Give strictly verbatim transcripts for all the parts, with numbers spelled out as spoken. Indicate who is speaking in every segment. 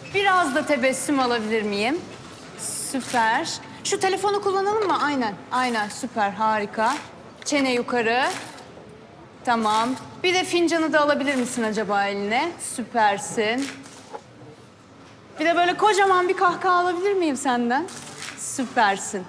Speaker 1: Biraz da tebessüm alabilir miyim? Süper. Şu telefonu kullanalım mı? Aynen, aynen. Süper, harika. Çene yukarı. Tamam. Bir de fincanı da alabilir misin acaba eline? Süpersin. Bir de böyle kocaman bir kahkaha alabilir miyim senden? Süpersin.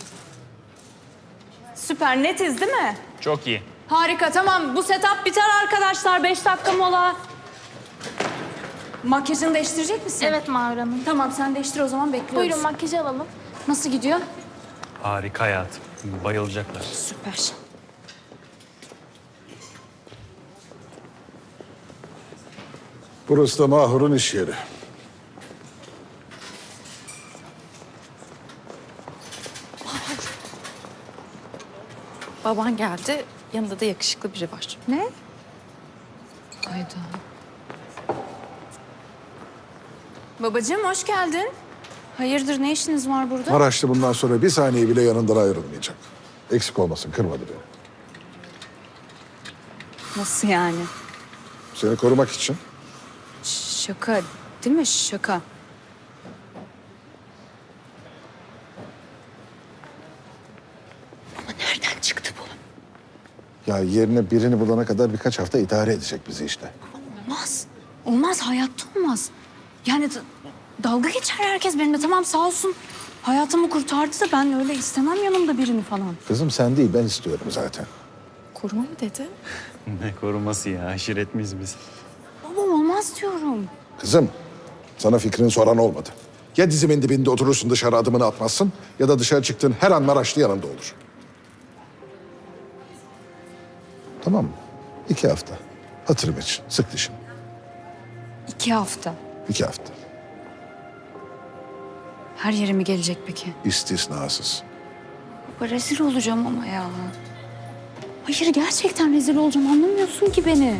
Speaker 1: Süper, netiz değil mi?
Speaker 2: Çok iyi.
Speaker 1: Harika, tamam. Bu setup biter arkadaşlar. Beş dakika mola. Makyajını değiştirecek misin?
Speaker 3: Evet Mahur Hanım.
Speaker 1: Tamam, sen değiştir o zaman, bekliyoruz.
Speaker 3: Buyurun makyajı alalım.
Speaker 1: Nasıl gidiyor?
Speaker 2: Harika hayatım. Bayılacaklar.
Speaker 1: Süper.
Speaker 4: Burası da Mahur'un iş yeri.
Speaker 5: Baban geldi, yanında da yakışıklı biri var.
Speaker 1: Ne?
Speaker 5: Hayda.
Speaker 1: Babacığım, hoş geldin. Hayırdır, ne işiniz var burada?
Speaker 4: Maraşlı bundan sonra bir saniye bile yanından ayrılmayacak. Eksik olmasın, kırmadı beni.
Speaker 1: Nasıl yani?
Speaker 4: Seni korumak için.
Speaker 1: Şaka, değil mi? Şaka. Ama nereden çıktı bu?
Speaker 4: Ya yerine birini bulana kadar birkaç hafta idare edecek bizi işte.
Speaker 1: Olmaz. Olmaz, hayatta olmaz. Yani d- dalga geçer herkes benimle. Tamam, sağ olsun. Hayatımı kurtardı da ben öyle istemem yanımda birini falan.
Speaker 4: Kızım sen değil, ben istiyorum zaten.
Speaker 5: Koruma mı dedi?
Speaker 2: Ne koruması ya? Aşiret miyiz biz?
Speaker 1: Baba, olmaz diyorum.
Speaker 4: Kızım, sana fikrini soran olmadı. Ya dizimin dibinde oturursun, dışarı adımını atmazsın... ...ya da dışarı çıktığın her an Maraşlı yanında olur. Tamam mı? İki hafta. Hatırım için, sık dişini.
Speaker 1: İki hafta.
Speaker 4: İki hafta.
Speaker 1: Her yere mi gelecek peki?
Speaker 4: İstisnasız.
Speaker 1: Baba, rezil olacağım ama ya. Hayır, gerçekten rezil olacağım. Anlamıyorsun ki beni.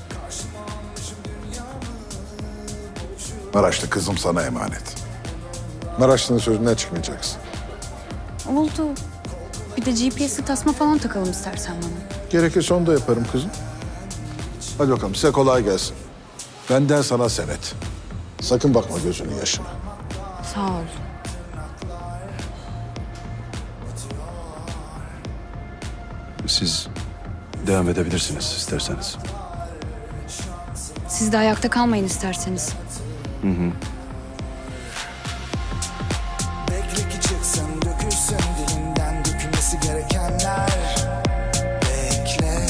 Speaker 4: Maraşlı kızım sana emanet. Maraşlı'nın sözünden çıkmayacaksın.
Speaker 1: Oldu. Bir de G P S'li tasma falan takalım istersen bana.
Speaker 4: Gerekirse onu da yaparım kızım. Hadi bakalım, size kolay gelsin. Benden sana senet. Sakın bakma gözünün yaşına.
Speaker 1: Sağ ol.
Speaker 6: Siz devam edebilirsiniz isterseniz.
Speaker 1: Siz de ayakta kalmayın isterseniz.
Speaker 7: Bekle ki çıksın, dökülsün dilinden dökülmesi gerekenler. Bekle.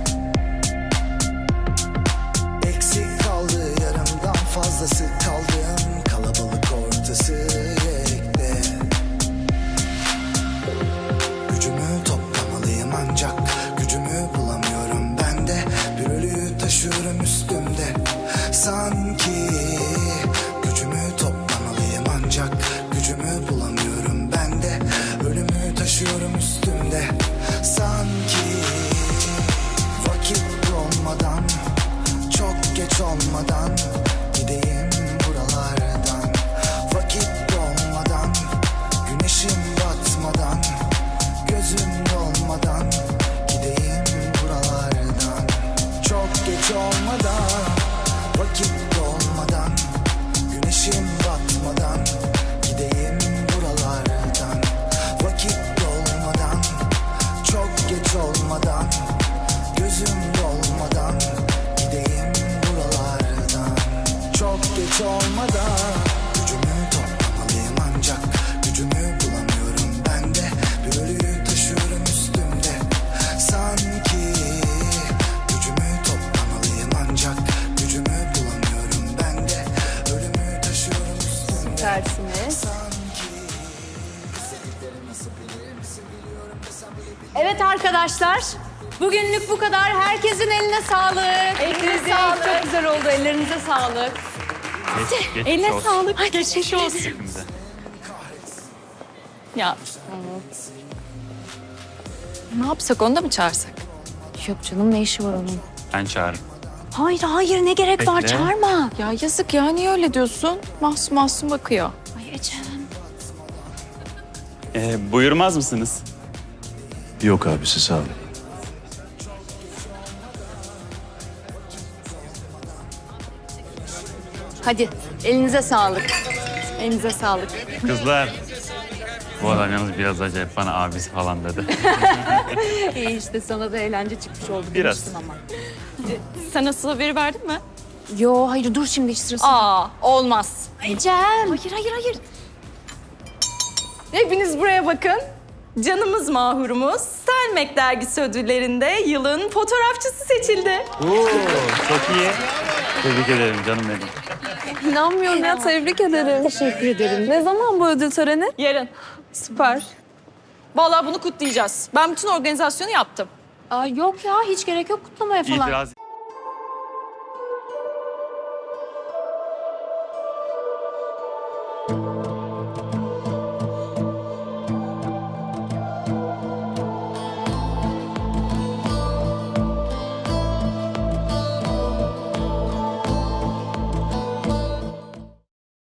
Speaker 7: Eksik kaldı yarımdan fazlası kaldığım kalabalık ortası yekte. Gücümü toplamalıyım ancak gücümü bulamıyorum ben de. Bir ölüyü taşıyorum üstümde sanki. Gücümü toplamalıyım ancak gücümü bulamıyorum ben de. Ölümü taşıyorum üstümde sanki. Vakit olmadan, çok geç olmadan gideyim buralardan. Vakit olmadan, güneşim batmadan, gözüm dolmadan gideyim buralardan. Çok geç olmadan, vakit olmadan, güneşim batmadan gideyim buralardan. Vakit olmadan, çok geç olmadan, gözüm dolmadan gideyim buralardan. Çok geç olmadan, gücümü toplamalıyım ancak gücümü bulamıyorum ben de. Bir ölüyü taşıyorum üstümde sanki. Gücümü toplamalıyım ancak gücümü bulamıyorum ben de. Ölümü taşıyorum üstümde
Speaker 1: Tersiniz. Evet arkadaşlar. Bugünlük bu kadar. Herkesin eline sağlık. Elinize sağlık. Çok güzel oldu. Ellerinize sağlık.
Speaker 2: Geç, geç
Speaker 5: Eline
Speaker 2: olsun.
Speaker 5: sağlık. Ay, geçmiş olsun.
Speaker 2: Hepimize.
Speaker 5: Ya. Ne yapsak, onu da mı çağırsak?
Speaker 1: Yok canım, ne işi var onun?
Speaker 2: Ben çağırırım.
Speaker 1: Hayır hayır, ne gerek var,
Speaker 2: Bekle.
Speaker 1: çağırma.
Speaker 5: Ya yazık ya, niye öyle diyorsun? Mahsum mahsum bakıyor.
Speaker 1: Ay Ecem.
Speaker 2: Ee, buyurmaz mısınız?
Speaker 6: Yok abisi, sağ olun.
Speaker 1: Hadi elinize sağlık. Elinize sağlık.
Speaker 2: Kızlar. Bu adam yalnız biraz acayip bana abisi falan dedi.
Speaker 1: İyi işte sana da eğlence çıkmış oldu.
Speaker 2: Biraz.
Speaker 1: demiştim ama.
Speaker 5: Sen nasıl haberi verdin mi?
Speaker 1: Yo hayır dur şimdi hiç sırası.
Speaker 5: Aa, olmaz.
Speaker 1: Cem.
Speaker 5: Hayır, hayır, hayır. Hepiniz buraya bakın. Canımız mahurumuz Selmek Dergisi ödüllerinde yılın fotoğrafçısı seçildi.
Speaker 2: Oo, çok iyi. Tebrik ederim canım benim.
Speaker 3: İnanmıyorum ya, tebrik ederim.
Speaker 1: Teşekkür ederim.
Speaker 3: Ne zaman bu ödül töreni?
Speaker 5: Yarın.
Speaker 3: Süper.
Speaker 5: Vallahi bunu kutlayacağız. Ben bütün organizasyonu yaptım.
Speaker 1: Aa, yok ya hiç gerek yok kutlamaya falan.
Speaker 2: İtiraz